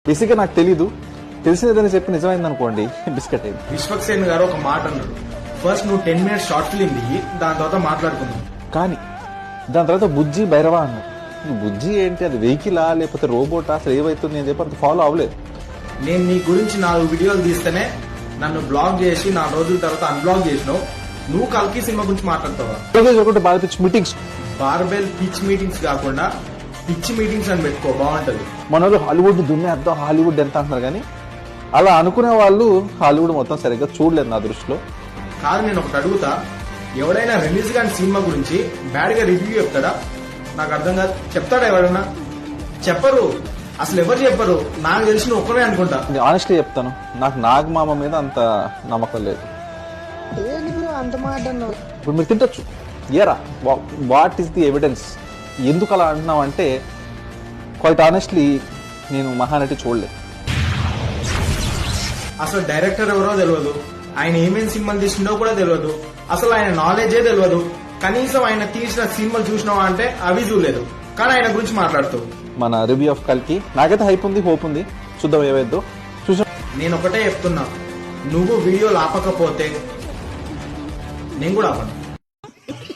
బేసిక్గా నాకు తెలీదు, తెలిసినదని చెప్పి నిజమైంది అనుకోండి బిస్కెట్ అయింది. విశ్వక్సేన్ గారు ఒక మాట అన్నారు, ఫస్ట్ నువ్వు 10 minutes షార్ట్ ఫిలిం దిగి దాని తర్వాత మాట్లాడుకుందాం. కానీ దాని తర్వాత బుజ్జి భైరవ అన్నారు. బుజ్జి ఏంటి, అది వెహికలా లేకపోతే రోబోటా, అసలు ఏవైతుంది అని చెప్పి అంత ఫాలో అవ్వలేదు. నేను నీ గురించి 4 వీడియోలు తీస్తేనే నన్ను బ్లాక్ చేసి 4 రోజుల తర్వాత అన్బ్లాక్ చేసినావు. నువ్వు కల్కి సినిమా గురించి మాట్లాడతావా? ఒకటి బాగా pitch meetings, barbell pitch meetings కాకుండా పిచ్ మీటింగ్స్ అని పెట్టుకో, బాగుంటది. మన హాలీవుడ్ దున్నేద్దాం, హాలీవుడ్ ఎంత అంటున్నారు, కానీ అలా అనుకునే వాళ్ళు హాలీవుడ్ మొత్తం సరిగ్గా చూడలేదు నా దృష్టిలో. కాదు, నేను ఒకటి అడుగుతా, ఎవడైనా రిలీజ్ కాని సినిమా గురించి బ్యాడ్ గా రివ్యూ చెప్తాడా? నాకు అర్థం కాదు. చెప్తాడా ఎవరైనా? చెప్పరు, అసలు ఎవరు చెప్పరు. నాకు తెలిసిన ఒక్కరే అనుకుంటా. ఆనెస్ట్లీ చెప్తాను, నాకు నాగమామ మీద అంత నమ్మకం లేదు. ఇప్పుడు మీరు తింటచ్చు, ఏరా వాట్ ఈస్ ది ఎవిడెన్స్, ఎందుకు అలా అంటున్నావు అంటే, క్వైట్ ఆనెస్ట్లీ నేను మహానటి చూడలేదు. అసలు డైరెక్టర్ ఎవరో తెలియదు, ఆయన ఏమేమి సినిమాలు తీసిండో కూడా తెలియదు, అసలు ఆయన నాలెడ్జే తెలియదు. కనీసం ఆయన తీసిన సినిమాలు చూసినావా అంటే అవి చూడలేదు, కానీ ఆయన గురించి మాట్లాడుతూ. మన రివ్యూ ఆఫ్ కల్కి నాకైతే హైప్ ఉంది, హోప్ ఉంది, చూద్దాం ఏవైద్దో. చూసాం. నేను ఒకటే చెప్తున్నా, నువ్వు వీడియోలు ఆపకపోతే నేను కూడా ఆపను.